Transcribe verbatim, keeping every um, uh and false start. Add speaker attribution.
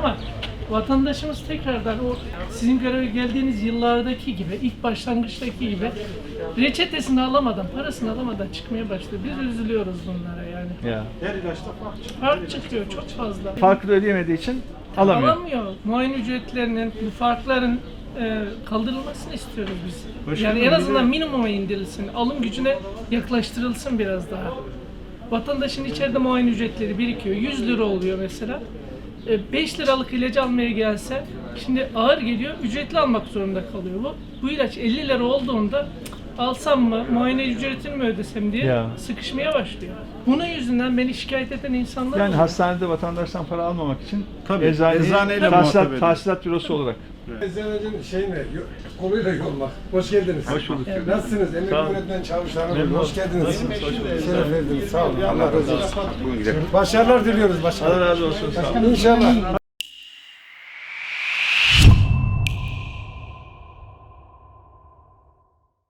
Speaker 1: ama vatandaşımız tekrardan o sizin göreve geldiğiniz yıllardaki gibi, ilk başlangıçtaki gibi reçetesini alamadan, parasını alamadan çıkmaya başladı. Biz üzülüyoruz bunlara yani.
Speaker 2: Ya.
Speaker 3: Her ilaçta fark çıkıyor.
Speaker 1: Fark çıkıyor çok fazla.
Speaker 2: Farkı da ödeyemediği için alamıyor.
Speaker 1: Alamıyor. Muayene ücretlerinin, bu farkların e, kaldırılmasını istiyoruz biz.
Speaker 3: Başkanım,
Speaker 1: yani en
Speaker 3: bir
Speaker 1: azından
Speaker 3: de-
Speaker 1: minimuma indirilsin, alım gücüne yaklaştırılsın biraz daha. Vatandaşın içeride muayene ücretleri birikiyor. yüz lira oluyor mesela. E, beş liralık ilacı almaya gelse, şimdi ağır geliyor, ücretli almak zorunda kalıyor. Bu, bu ilaç elli lira olduğunda alsam mı, muayene ücretini mi ödesem diye
Speaker 2: Ya.
Speaker 1: sıkışmaya başlıyor. Bunun yüzünden beni şikayet eden insanlar
Speaker 2: Yani
Speaker 1: oluyor.
Speaker 2: hastanede vatandaştan para almamak için
Speaker 3: Tabii,
Speaker 2: eczaneyi
Speaker 3: eczaneyle muhatap
Speaker 2: tahsilat,
Speaker 3: ediyor.
Speaker 2: tahsilat bürosu olarak.
Speaker 4: Eczanecinin şeyine, koluyla yolmak. Hoş geldiniz.
Speaker 2: Hoş bulduk.
Speaker 4: Nasılsınız? Emekli
Speaker 2: Sağ olun.
Speaker 4: öğretmen çavuşlarım.
Speaker 2: Memnun
Speaker 4: Hoş
Speaker 2: oldum.
Speaker 4: geldiniz.
Speaker 2: Nasılsınız? Hoş bulduk.
Speaker 4: Şeref verdiniz. Sağ olun. Allah razı olsun. Başarılar diliyoruz
Speaker 2: Allah
Speaker 4: başkanım.
Speaker 2: razı olsun. Sağ olun.
Speaker 4: İnşallah.